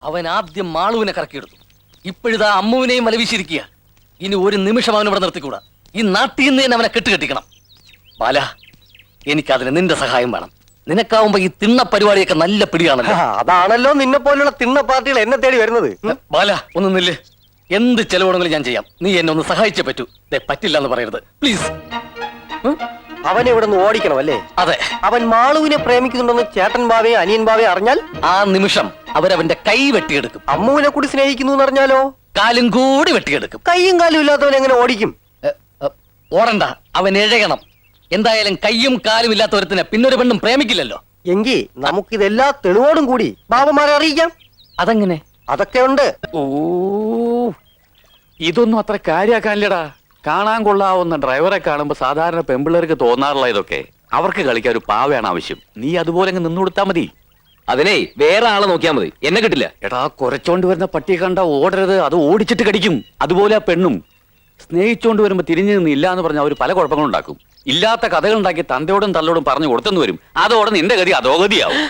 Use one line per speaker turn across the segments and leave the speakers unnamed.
അവൻ ആദ്യം മാളുവിനെ കറക്കിയെടുത്തു. ഇപ്പോഴിതാ അമ്മുവിനെയും വലവീശിരിക്കുക. ഇനി ഒരു നിമിഷം അവൻ ഇവിടെ നിർത്തിക്കൂടാ. ഈ നാട്ടിൽ നിന്ന് തന്നെ അവനെ കെട്ടുകെട്ടിക്കണം. ബാല, എനിക്കതിന് നിന്റെ സഹായം വേണം. നിനക്കാവുമ്പോ ഈ തിണ്ണ പരിപാടിയൊക്കെ നല്ല പിടിയാണല്ലോ.
അതാണല്ലോ നിന്നെ പോലുള്ള തിണ്ണ പാർട്ടികൾ എന്നെ തേടി വരുന്നത്.
ബാല, ഒന്ന് നില്ല്. എന്ത് ചെലവുണ്ടെങ്കിലും ഞാൻ ചെയ്യാം. നീ എന്നെ ഒന്ന് സഹായിച്ചേ പറ്റൂ. പറ്റില്ല എന്ന് പറയരുത് പ്ലീസ്.
അവനെ ഇവിടെ നിന്ന് ഓടിക്കണം അല്ലേ?
അതെ.
അവൻ മാളുവിനെ പ്രേമിക്കുന്നുണ്ടെന്ന് ചേട്ടൻ ബാവയെ അനിയൻ ബാവയെ അറിഞ്ഞാൽ
ആ നിമിഷം അവരവന്റെ കൈ വെട്ടിയെടുക്കും.
അമ്മുവിനെ കൂടി സ്നേഹിക്കുന്നു എന്ന് അറിഞ്ഞാലോ
കാലും കൂടി വെട്ടിയെടുക്കും.
കൈയും കാലും ഇല്ലാത്തവൻ എങ്ങനെ ഓടിക്കും?
ഓടണ്ട, അവൻ എഴയണം. എന്തായാലും കയ്യും കാലും ഇല്ലാത്തവരത്തിനെ പിന്നൊരു പെണ്ണും പ്രേമിക്കില്ലല്ലോ.
എങ്കിൽ നമുക്കിതെല്ലാ തെളിവോടും കൂടി ബാബമാരെ അറിയിക്കാം.
അതെങ്ങനെ?
അതൊക്കെ ഉണ്ട്.
ഓ, ഇതൊന്നും അത്ര കാര്യാക്കാനില്ലടാ. കാണാൻ കൊള്ളാവുന്ന ഡ്രൈവറെ കാണുമ്പോ സാധാരണ പെമ്പിള്ളേർക്ക് തോന്നാറുള്ള ഇതൊക്കെ. അവർക്ക് കളിക്കാൻ ഒരു പാവയാണ് ആവശ്യം. നീ അതുപോലെ അങ്ങ് നിന്നു കൊടുത്താ മതി.
അതിനെ വേറെ ആളെ നോക്കിയാൽ മതി, എന്നെ കിട്ടില്ല.
എടാ, കുരച്ചോണ്ട് വരുന്ന പട്ടിയെ കണ്ട ഓടരുത്, അത് ഓടിച്ചിട്ട് കടിക്കും. അതുപോലെ ആ പെണ്ണും സ്നേഹിച്ചോണ്ട് വരുമ്പോ തിരിഞ്ഞു നിന്ന് ഇല്ല എന്ന് പറഞ്ഞാൽ അവർ പല കുഴപ്പങ്ങളും ഉണ്ടാക്കും. ഇല്ലാത്ത കഥകൾ ഉണ്ടാക്കി തന്തയോടും തള്ളോടും പറഞ്ഞു കൊടുത്തെന്ന് വരും. അതോടെ നിന്റെ ഗതി അധോഗതിയാവും.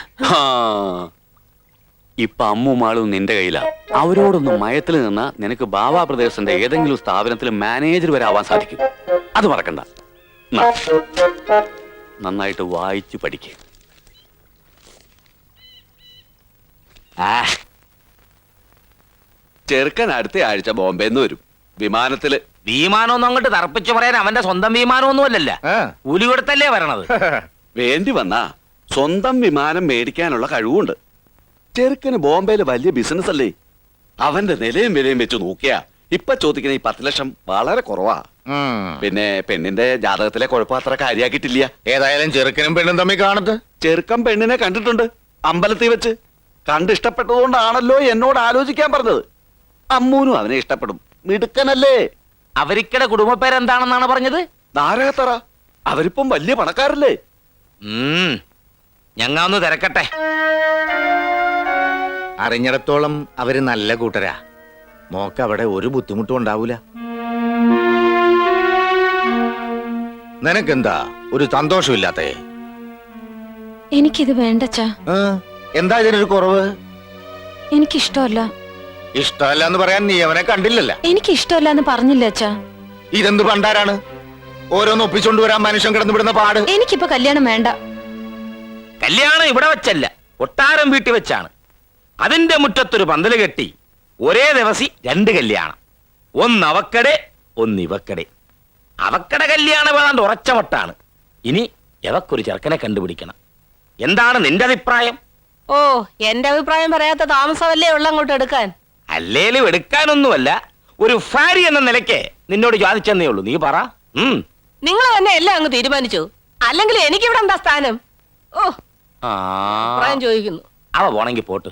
ഇപ്പൊ അമ്മു മാളും നിന്റെ കയ്യിലാ. അവരോടൊന്ന് മയത്തിൽ നിന്നാ നിനക്ക് ബാബാ പ്രദേശത്തിന്റെ ഏതെങ്കിലും സ്ഥാപനത്തിൽ മാനേജർ വരെ ആവാൻ സാധിക്കും. അത് മറക്കണ്ട. നന്നായിട്ട് വായിച്ചു പഠിക്കുക.
ചെറുക്കൻ അടുത്ത ആഴ്ച ബോംബെന്ന് വരും. വിമാനത്തില്.
വിമാനമൊന്നും അങ്ങോട്ട് തറപ്പിച്ചു പറയാൻ അവന്റെ സ്വന്തം വിമാനമൊന്നും അല്ലല്ല, കൂലി കൊടുത്തല്ലേ വരണത്.
വേണ്ടി വന്നാ സ്വന്തം വിമാനം മേടിക്കാനുള്ള കഴിവുണ്ട്. ചെറുക്കന് ബോംബെയില് വലിയ ബിസിനസ് അല്ലേ. അവന്റെ നിലയും വിലയും വെച്ച് നോക്കിയാ ഇപ്പൊ ചോദിക്കുന്ന ഈ 10 ലക്ഷം വളരെ കുറവാ. പിന്നെ പെണ്ണിന്റെ ജാതകത്തിലെ കുഴപ്പം അത്ര കാര്യാക്കിയിട്ടില്ല.
ഏതായാലും ചെറുക്കനും പെണ്ണും തമ്മിൽ കാണത്ത്.
ചെറുക്കൻ പെണ്ണിനെ കണ്ടിട്ടുണ്ട് അമ്പലത്തിൽ വെച്ച്. കണ്ടിഷ്ടപ്പെട്ടതുകൊണ്ടാണല്ലോ എന്നോട് ആലോചിക്കാൻ പറഞ്ഞത്. അമ്മൂനും അവനെ ഇഷ്ടപ്പെടും. മിടുക്കനല്ലേ.
അവരിക്കടെ കുടുംബ പേരെന്താണെന്നാണ് പറഞ്ഞത്?
നാരകത്തറ. അവരിപ്പം വലിയ പണക്കാരല്ലേ.
ഞങ്ങ ഒന്ന് തിരക്കട്ടെ.
അറിഞ്ഞിടത്തോളം അവര് നല്ല കൂട്ടരാ. മോക്ക് അവിടെ ഒരു ബുദ്ധിമുട്ടും ഉണ്ടാവൂല. നിനക്കെന്താ ഒരു സന്തോഷമില്ലാത്തേ?
എനിക്കിത് വേണ്ടച്ചാ.
എന്താ ഇതിനൊരു കുറവ്?
എനിക്കിഷ്ടമല്ല.
ഇഷ്ടമല്ല എന്ന് പറയാൻ നീ അവനെ കണ്ടില്ലല്ല.
എനിക്കിഷ്ടമല്ല എന്ന് പറഞ്ഞില്ല അച്ഛാ.
ഇതെന്ത് പണ്ടാരാണ് ഓരോന്ന് ഒപ്പിച്ചോണ്ട് വരാൻ മനുഷ്യൻ കിടന്നു വിടുന്ന പാട്.
എനിക്കിപ്പോ കല്യാണം വേണ്ട.
കല്യാണം ഇവിടെ വെച്ചല്ല, കൊട്ടാരം വീട്ടിൽ വെച്ചാണ്. അതിന്റെ മുറ്റത്തൊരു പന്തല് കെട്ടി ഒരേ ദിവസം 2 കല്യാണം. ഒന്ന് അവക്കടെ, ഒന്ന് ഇവക്കടെ. അവക്കടെ കല്യാണം ഏതാണ്ട് ഉറച്ചമട്ടാണ്. ഇനി എവക്കൊരു ചെറുക്കനെ കണ്ടുപിടിക്കണം. എന്താണ് നിന്റെ അഭിപ്രായം?
ഓ, എന്റെ അഭിപ്രായം പറയാത്ത താമസമല്ലേ ഉള്ള അങ്ങോട്ട് എടുക്കാൻ.
അല്ലേലും എടുക്കാനൊന്നുമല്ല, ഒരു ഭാര്യ എന്ന നിലയ്ക്ക് നിന്നോട് ചോദിച്ചെന്നേ ഉള്ളൂ. നീ പറ.
നിങ്ങൾ തന്നെ എല്ലാം അങ്ങ് തീരുമാനിച്ചു. അല്ലെങ്കിൽ എനിക്കിവിടെ എന്താ സ്ഥാനം? ഓ, അഭിപ്രായം ചോദിക്കുന്നു.
അവ പോണെങ്കി പോട്ട്.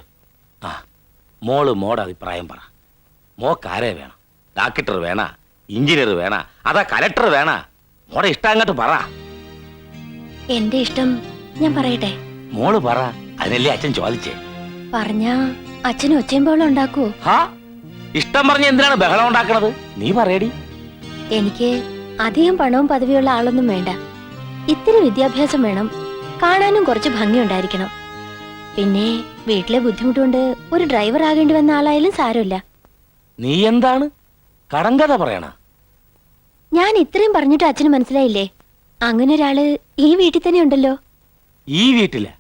മോടെ അഭിപ്രായം പറ. മോക്കാരെ വേണം? ഡോക്ടർ വേണ, എഞ്ചിനീയർ വേണ, അതാ കലക്ടർ വേണ? മോടെ ഇഷ്ടം അങ്ങോട്ട് പറ.
എന്റെ ഇഷ്ടം ഞാൻ പറയട്ടെ?
മോള് പറ, അതിനല്ലേ അച്ഛൻ ചോദിച്ചേ.
പറഞ്ഞാ അച്ഛനും ഒച്ചയുമ്പോഴും ഉണ്ടാക്കുവോ?
ഇഷ്ടം പറഞ്ഞ എന്തിനാണ് ബഹളം ഉണ്ടാക്കണത്? നീ പറയടി.
എനിക്ക് അധികം പണവും പദവിയുള്ള ആളൊന്നും വേണ്ട. ഇത്തിരി വിദ്യാഭ്യാസം വേണം. കാണാനും കുറച്ച് ഭംഗി ഉണ്ടായിരിക്കണം. പിന്നെ വീട്ടിലെ ബുദ്ധിമുട്ടുകൊണ്ട് ഒരു ഡ്രൈവർ ആകേണ്ടി വന്ന ആളായാലും സാരമില്ല.
നീ എന്താണ് കടങ്കഥ പറയണ?
ഞാൻ ഇത്രയും പറഞ്ഞിട്ട് അച്ഛന് മനസ്സിലായില്ലേ? അങ്ങനെ ഒരാള് ഈ വീട്ടിൽ തന്നെ ഉണ്ടല്ലോ.
ഈ വീട്ടില്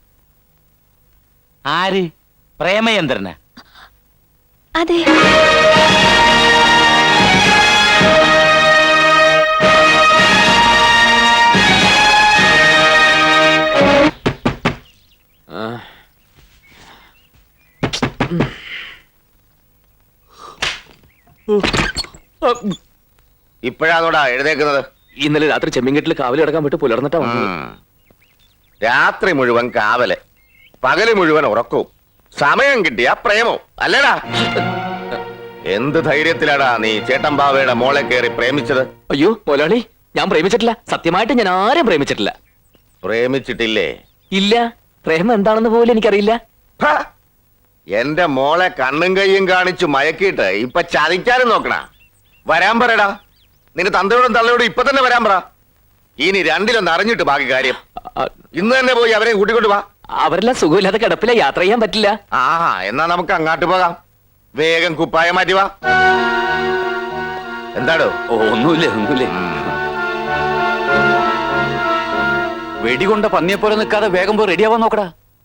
ആര്? പ്രേമചന്ദ്രന്?
അതെ.
ഇപ്പോഴാണോടാ എഴുന്നേക്കുന്നത്?
ഇന്നലെ രാത്രി ചെമ്മിങ്കെട്ടിൽ കാവൽ കിടക്കാൻ വിട്ട് പുലർന്നിട്ടാ വന്നത്.
രാത്രി മുഴുവൻ കാവല്, പകല് മുഴുവൻ ഉറക്കവും, സമയം കിട്ടിയ പ്രേമോ അല്ലേടാ? എന്ത് ധൈര്യത്തിലാടാ നീ ചേട്ടൻ ബാവയുടെ മോളെ കയറി പ്രേമിച്ചത്?
അയ്യോ മോലാളി, ഞാൻ പ്രേമിച്ചിട്ടില്ല. സത്യമായിട്ട് ഞാൻ ആരും പ്രേമിച്ചിട്ടില്ല.
പ്രേമിച്ചിട്ടില്ലേ?
ഇല്ല. പ്രേമം എന്താണെന്ന് പോലും എനിക്കറിയില്ല.
എന്റെ മോളെ കണ്ണും കയ്യും കാണിച്ചു മയക്കിയിട്ട് ഇപ്പൊ ചതിക്കാനും നോക്കണ. വരാൻ പറയടാ. നിന്റെ തന്തയോടും തള്ളയോടും ഇപ്പൊ തന്നെ വരാൻ പറ. ഇനി രണ്ടിലൊന്ന് അറിഞ്ഞിട്ട് ബാക്കി കാര്യം. ഇന്ന് തന്നെ പോയി അവരെ കൂട്ടിക്കൊണ്ട് വാ.
അവരെല്ലാം സുഖമില്ലാതെ കിടപ്പില്ല, യാത്ര ചെയ്യാൻ പറ്റില്ല.
ആ എന്നാ നമുക്ക് അങ്ങാട്ട് പോകാം. വേഗം കുപ്പായം മാറ്റി വാ. എന്താടോ?
ഒന്നുമില്ല. വെടികൊണ്ട പന്നിയെപ്പോലെ നിൽക്കാതെ വേഗം പോയി റെഡിയാവാൻ നോക്കടാ.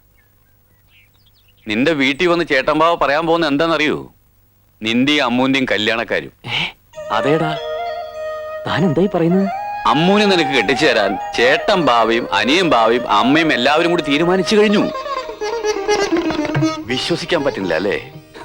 നിന്റെ വീട്ടിൽ വന്ന് ചേട്ടമ്പാവ പറയാൻ പോകുന്ന എന്താണെന്നറിയോ? നിന്റെയും അമ്മൂന്റെയും കല്യാണക്കാരും.
അതേടാ, താൻ എന്തായി പറയുന്നത്?
അമ്മൂനെ നിനക്ക് കെട്ടിച്ചു തരാൻ ചേട്ടൻ ബാവയും അനിയൻ ബാവയും അമ്മയും എല്ലാവരും കൂടി തീരുമാനിച്ചു കഴിഞ്ഞു. വിശ്വസിക്കാൻ പറ്റുന്നില്ല അല്ലേ?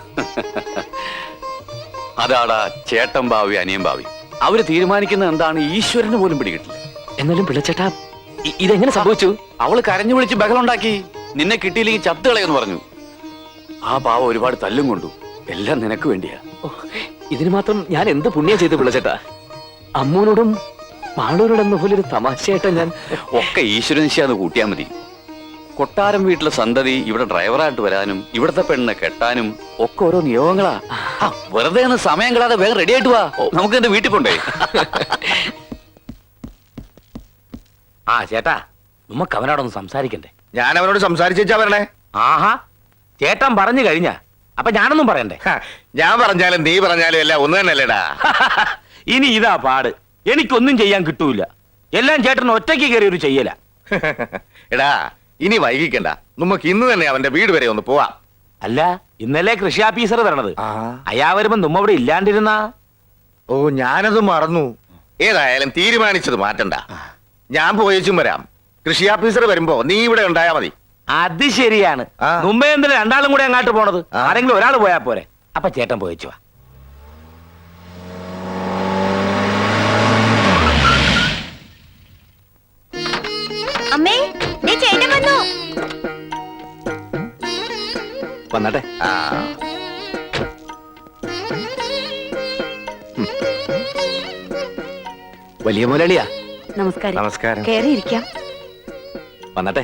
അതാടാ ചേട്ടൻ ബാവയും അനിയൻ ബാവയും. അവര് തീരുമാനിക്കുന്നത് എന്താണ് ഈശ്വരന് പോലും പിടികിട്ടില്ല.
എന്നാലും പിള്ളച്ചേട്ടാ, ഇതെങ്ങനെ സംഭവിച്ചു?
അവള് കരഞ്ഞു വിളിച്ച് ബഹളുണ്ടാക്കി. നിന്നെ കിട്ടിയില്ലെങ്കിൽ ചത്തുകളയെന്ന് പറഞ്ഞു. ആ പാവ ഒരുപാട് തല്ലും കൊണ്ടു. എല്ലാം നിനക്ക് വേണ്ടിയാ.
ഇതിന് മാത്രം ഞാൻ എന്ത് പുണ്യ ചെയ്തു പിള്ളച്ചേട്ടാ? അമ്മൂനോടും മാളൂരോടെന്ന പോലെ ഒരു തമാശയായിട്ടാ ഞാൻ.
ഒക്കെ ഈശ്വരനിശ്ചയാന്ന് കൂട്ടിയാ മതി. കൊട്ടാരം വീട്ടിലെ സന്തതി ഇവിടെ ഡ്രൈവറായിട്ട് വരാനും ഇവിടത്തെ പെണ്ണിനെ കെട്ടാനും ഒക്കെ ഓരോ നിയോഗങ്ങളാ. വെറുതെ ഒന്ന് സമയം കളാതെ വേഗം റെഡി ആയിട്ട് വാ. നമുക്ക് എന്റെ വീട്ടിൽ കൊണ്ടേ.
ആ ചേട്ടാ, നമുക്ക് അവനോടൊന്ന് സംസാരിക്കണ്ടേ?
ഞാൻ അവനോട് സംസാരിച്ചാ വരണേ.
ആഹാ, ചേട്ടൻ പറഞ്ഞു കഴിഞ്ഞ അപ്പൊ ഞാനൊന്നും പറയണ്ടേ?
ഞാൻ പറഞ്ഞാലും നീ പറഞ്ഞാലും എല്ലാം ഒന്ന് തന്നെയല്ലേടാ.
ഇനി ഇതാ പാട്. എനിക്കൊന്നും ചെയ്യാൻ കിട്ടൂല. എല്ലാം ചേട്ടൻ ഒറ്റയ്ക്ക് കയറി ഒരു ചെയ്യല.
എടാ, ഇനി വൈകിക്കണ്ട. നമുക്ക് ഇന്ന് തന്നെ അവന്റെ വീട് വരെ ഒന്ന് പോവാം.
അല്ല, ഇന്നലെ കൃഷി ഓഫീസർ വരണത്. അയാ വരുമ്പോ നമ്മ ഇവിടെ ഇല്ലാണ്ടിരുന്ന.
ഓ, ഞാനത് മറന്നു. ഏതായാലും തീരുമാനിച്ചത് മാറ്റണ്ട. ഞാൻ പോയേച്ചും വരാം. കൃഷി ഓഫീസർ വരുമ്പോ നീ ഇവിടെ ഉണ്ടായാ മതി.
അത് ശരിയാണ്. മുമ്പേ എന്തിനാ രണ്ടാളും കൂടെ അങ്ങോട്ട് പോണത്? ആരെങ്കിലും ഒരാൾ പോയാ പോരെ. അപ്പൊ ചേട്ടൻ പോയിച്ചു വാ.
അമ്മേ, ദേ ചേട്ടൻ വന്നു.
വന്നട്ടെ.
ആ,
വലിയ മുതലാളിയാ.
നമസ്കാരം.
നമസ്കാരം.
കേറിയിരിക്കാം.
വന്നട്ടെ.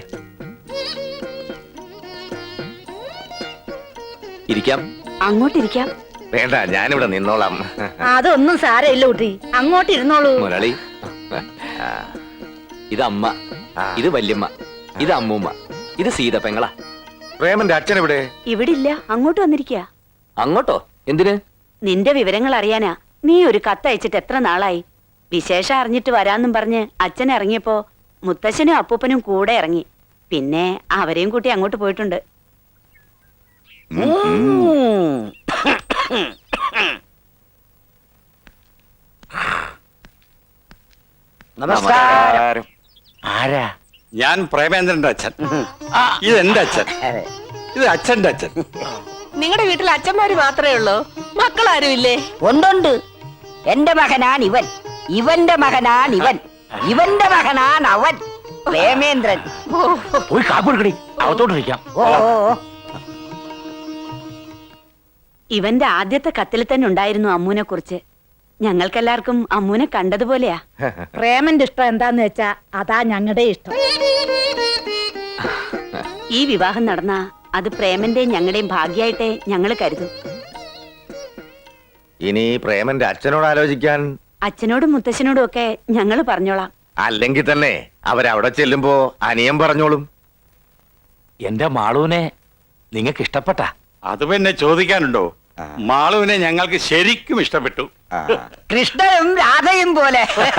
ഇരിക്കാം.
അങ്ങോട്ടിരിക്കാം.
വേണ്ട, ഞാനിവിടെ നിന്നോളാം.
അതൊന്നും സാരമില്ല കുട്ടി, അങ്ങോട്ട് ഇരുന്നോളൂ.
മുതലാളി, ഇത് അമ്മ, ഇത് വല്യമ്മ, ഇത് അമ്മൂമ്മ, ഇത് സീതപ്പെങ്ങളാ.
പ്രേമന്റെ അച്ഛൻ എവിടെ?
ഇവിടെ ഇല്ല, അങ്ങോട്ട് വന്നിരിക്കുക.
അങ്ങോട്ടോ? എന്തിന്?
നിന്റെ വിവരങ്ങൾ അറിയാനാ. നീ ഒരു കത്തയച്ചിട്ട് എത്ര നാളായി? വിശേഷം അറിഞ്ഞിട്ട് വരാന്നും പറഞ്ഞ് അച്ഛൻ ഇറങ്ങിയപ്പോ മുത്തശ്ശനും അപ്പൂപ്പനും കൂടെ ഇറങ്ങി. പിന്നെ അവരെയും കൂട്ടി അങ്ങോട്ട് പോയിട്ടുണ്ട്.
നമസ്കാരം.
ആരാ?
ഞാൻ പ്രേമേന്ദ്രന്റെ അച്ഛൻ. ഇത് എന്റെ അച്ഛൻ. ഇത് അച്ഛന്റെ അച്ഛൻ.
നിങ്ങളുടെ വീട്ടിൽ അച്ഛന്മാര് മാത്രമേ ഉള്ളൂ? മക്കളാരും ഇല്ലേ?
ഒന്നുണ്ട്. എന്റെ മകനാൻ ഇവൻ, ഇവന്റെ മകനാൻ ഇവൻ, ഇവന്റെ മകനാൻ അവൻ. പ്രേമേന്ദ്രൻ.
പോയി കാപ്പൊടുക്കടി, അകത്തോട്ടിരിക്കാം.
ഇവന്റെ ആദ്യത്തെ കത്തിൽ തന്നെ ഉണ്ടായിരുന്നു അമ്മൂനെ കുറിച്ച്. ഞങ്ങൾക്കെല്ലാവർക്കും അമ്മൂനെ കണ്ടതുപോലെയാ.
പ്രേമന്റെ ഇഷ്ടം എന്താന്ന് വെച്ചാ അതാ ഞങ്ങളുടെ ഇഷ്ടം.
ഈ വിവാഹം നടന്ന അത് പ്രേമന്റെയും ഞങ്ങളുടെയും ഭാഗ്യായിട്ടേ ഞങ്ങള് കരുതും.
ഇനി പ്രേമന്റെ അച്ഛനോട് ആലോചിക്കാൻ.
അച്ഛനോടും മുത്തശ്ശനോടും ഒക്കെ ഞങ്ങള് പറഞ്ഞോളാം.
അല്ലെങ്കിൽ തന്നെ അവരവിടെ ചെല്ലുമ്പോ അനിയൻ പറഞ്ഞോളും.
എന്റെ മാളൂനെ നിങ്ങക്ക് ഇഷ്ടപ്പെട്ട?
അത് പിന്നെ ചോദിക്കാനുണ്ടോ? മാളുവിനെ ഞങ്ങൾക്ക് ശരിക്കും ഇഷ്ടപ്പെട്ടു.
കൃഷ്ണനും രാധയും പോലെ.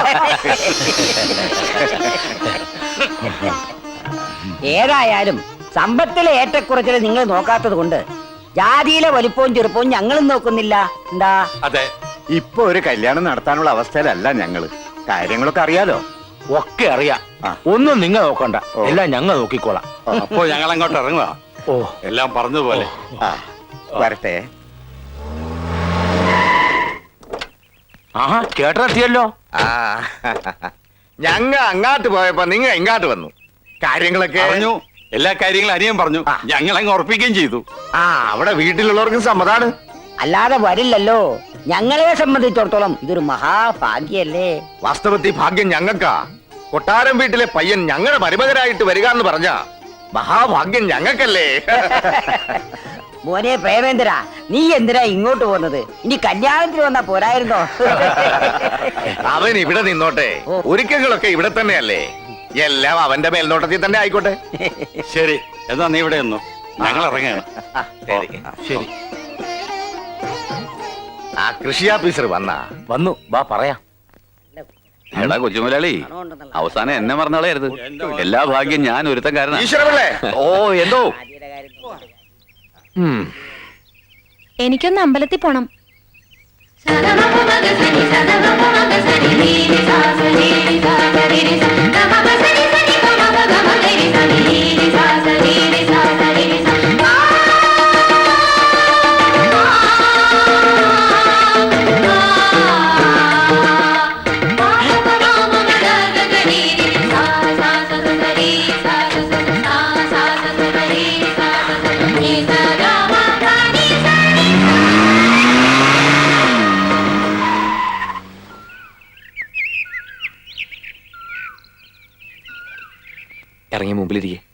ഏതായാലും സമ്പത്തിലെ ഏറ്റക്കുറച്ചിൽ നിങ്ങൾ നോക്കാത്തത് കൊണ്ട് ജാതിയിലെ വലിപ്പവും ചെറുപ്പവും ഞങ്ങളും നോക്കുന്നില്ല. എന്താ?
അതെ,
ഇപ്പൊ ഒരു കല്യാണം നടത്താനുള്ള അവസ്ഥയിലല്ല ഞങ്ങള്. കാര്യങ്ങളൊക്കെ അറിയാലോ.
ഒക്കെ അറിയാം. ഒന്നും നിങ്ങൾ നോക്കണ്ട, എല്ലാം ഞങ്ങൾ നോക്കിക്കോളാം.
അപ്പോ ഞങ്ങൾ അങ്ങോട്ട് ഇറങ്ങുക.
ഓ,
എല്ലാം പറഞ്ഞതുപോലെ.
വരട്ടെ.
ആഹാ, കേട്ടെത്തിയല്ലോ.
ആ, ഞങ്ങ അങ്ങാട്ട് പോയപ്പോ നിങ്ങ ഇങ്ങാട്ട് വന്നു. കാര്യങ്ങളൊക്കെ
പറഞ്ഞു. എല്ലാ കാര്യങ്ങളും അനിയൻ പറഞ്ഞു. ഞങ്ങൾ അങ്ങ് ഉറപ്പിക്കുകയും ചെയ്തു.
ആ, അവിടെ വീട്ടിലുള്ളവർക്കും സമ്മതാണ്.
അല്ലാതെ വരില്ലല്ലോ. ഞങ്ങളെ സംബന്ധിച്ചിടത്തോളം ഇതൊരു മഹാഭാഗ്യല്ലേ.
വാസ്തവത്തിൽ ഭാഗ്യം ഞങ്ങൾക്കാ. കൊട്ടാരം വീട്ടിലെ പയ്യൻ ഞങ്ങളുടെ മരുമകനായിട്ട് വരിക എന്ന് പറഞ്ഞ മഹാഭാഗ്യം ഞങ്ങൾക്കല്ലേ.
മോനെ പ്രേമേന്ദ്ര, നീ എന്തിനാ ഇങ്ങോട്ട് പോകുന്നത്? ഇനി കല്യാണത്തിന് വന്നാ പോരായിരുന്നോ?
അവൻ ഇവിടെ നിന്നോട്ടെ. ഒരുക്കങ്ങളൊക്കെ ഇവിടെ തന്നെയല്ലേ. എല്ലാം അവന്റെ മേൽനോട്ടത്തിൽ തന്നെ ആയിക്കോട്ടെ.
ശരി എന്നാ നീ ഇവിടെ ഒന്നു ഞങ്ങൾ ഇറങ്ങുകയാണ്.
ശരി. ആ കൃഷി ഓഫീസർ
വന്നു വാ പറയാം. എടാ കൊച്ചുമുലാളി, അവസാനം എന്നെ മറന്നാളായിരുന്നു. എല്ലാ ഭാഗ്യം ഞാൻ ഒരുത്തൻ കാരണം.
ഈശ്വരപിള്ളേ,
ഓ എന്തോ
എനിക്കൊന്ന് അമ്പലത്തിൽ പോണം.
ഇറങ്ങി മുമ്പിലിരിക്കെ.